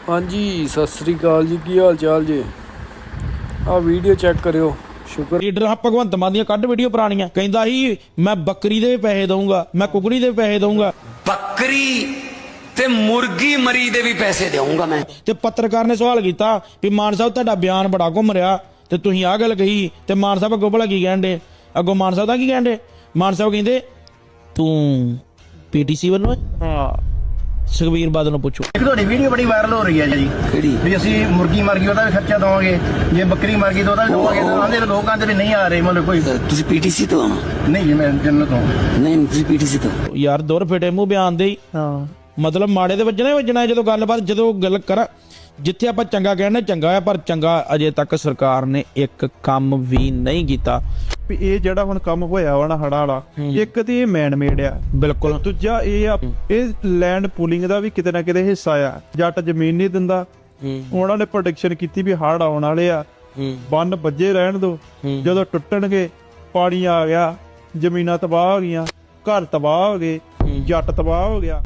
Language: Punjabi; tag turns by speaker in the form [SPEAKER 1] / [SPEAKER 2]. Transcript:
[SPEAKER 1] हाँ जी सत श्री अकाल जी, की हाल चाल जी। आ वीडियो चेक करियो। शुक्र
[SPEAKER 2] लीडर भगवंत मान दी कट वीडियो पुरानियां कहंदा ही मैं बकरी दे पैसे दूंगा, मैं कुकड़ी दे पैसे दूंगा,
[SPEAKER 3] बकरी ते मुर्गी मरी दे भी पैसे दूंगा मैं।
[SPEAKER 2] ते पत्रकार ने सवाल किया भी मान साहब तुहाडा बयान बड़ा घुम रहा ते तुसीं आ गल कही ते मान साहब अगों भला की कहण दे? अगों मान साहब दा की कहण दे? मान साहब कहंदे तू पीटीसी ਵੱਲੋਂ
[SPEAKER 4] हाँ
[SPEAKER 2] ਸੁਖਬੀਰ ਬਾਦਲ ਨੂੰ ਪੁੱਛੋ।
[SPEAKER 4] एक ਤੁਹਾਡੀ ਵੀਡੀਓ ਬੜੀ ਵਾਇਰਲ ਹੋ ਰਹੀ ਹੈ ਜੀ
[SPEAKER 3] ਕਿਹੜੀ
[SPEAKER 4] ਵੀ ਅਸੀਂ ਮੁਰਗੀ ਮਰ ਗਈ ਉਹਦਾ ਵੀ ਖਰਚਾ ਦਵਾਂਗੇ, ਜੇ ਬੱਕਰੀ ਮਰ ਗਈ ਤਾਂ ਉਹਦਾ ਵੀ ਦਵਾਂਗੇ। ਆਂਦੇ ਲੋਕ ਆਂਦੇ ਵੀ ਨਹੀਂ ਆ ਰਹੇ, ਮਤਲਬ ਕੋਈ
[SPEAKER 3] ਤੁਸੀਂ ਪੀਟੀਸੀ ਤੋਂ ਆਣਾ?
[SPEAKER 4] ਨਹੀਂ ਜੀ, ਮੈਂ ਜੰਨਤ ਤੋਂ।
[SPEAKER 3] ਨਹੀਂ ਤੁਸੀਂ ਪੀਟੀਸੀ ਤੋਂ।
[SPEAKER 2] ਯਾਰ ਦੁਰ ਫਿਟੇ ਮੂੰਹ ਬਿਆਨ ਦੇ ਹੀ ਮਤਲਬ ਮਾੜੇ ਦੇ ਵੱਜਣਾ ਹੀ ਵੱਜਣਾ। ਜਦੋਂ ਗੱਲਬਾਤ ਜਦੋਂ ਗੱਲ ਕਰਾਂ ਜਿੱਥੇ ਆਪਾਂ ਚੰਗਾ ਕਹਿੰਦੇ ਚੰਗਾ ਹੈ, ਪਰ ਚੰਗਾ ਅਜੇ ਤੱਕ ਸਰਕਾਰ ਨੇ ਇੱਕ ਕੰਮ ਵੀ ਨਹੀਂ ਕੀਤਾ।
[SPEAKER 5] ਵੀ ਇਹ ਜਿਹੜਾ ਹੁਣ ਕੰਮ ਹੋਇਆ ਵਾ ਨਾ ਹੜ੍ਹਾਂ ਵਾਲਾ, ਇੱਕ ਤੇ ਇਹ ਮੈਨ ਮੇਡ ਆ
[SPEAKER 2] ਬਿਲਕੁਲ।
[SPEAKER 5] ਦੂਜਾ ਇਹ ਆ ਇਹ ਲੈਂਡ ਪੂਲਿੰਗ ਦਾ ਵੀ ਕਿਤੇ ਨਾ ਕਿਤੇ ਹਿੱਸਾ ਆ। ਜੱਟ ਜ਼ਮੀਨ ਨਹੀਂ ਦਿੰਦਾ, ਉਹਨਾਂ ਨੇ ਪ੍ਰੋਟੈਕਸ਼ਨ ਕੀਤੀ ਵੀ ਹੜ੍ਹ ਆਉਣ ਵਾਲੇ ਆ, ਬੰਨ ਵੱਜੇ ਰਹਿਣ ਦੋ, ਜਦੋਂ ਟੁੱਟਣਗੇ ਪਾਣੀ ਆ ਗਿਆ, ਜ਼ਮੀਨਾਂ ਤਬਾਹ ਹੋ ਗਈਆਂ, ਘਰ ਤਬਾਹ ਹੋ ਗਏ, ਜੱਟ ਤਬਾਹ ਹੋ ਗਿਆ।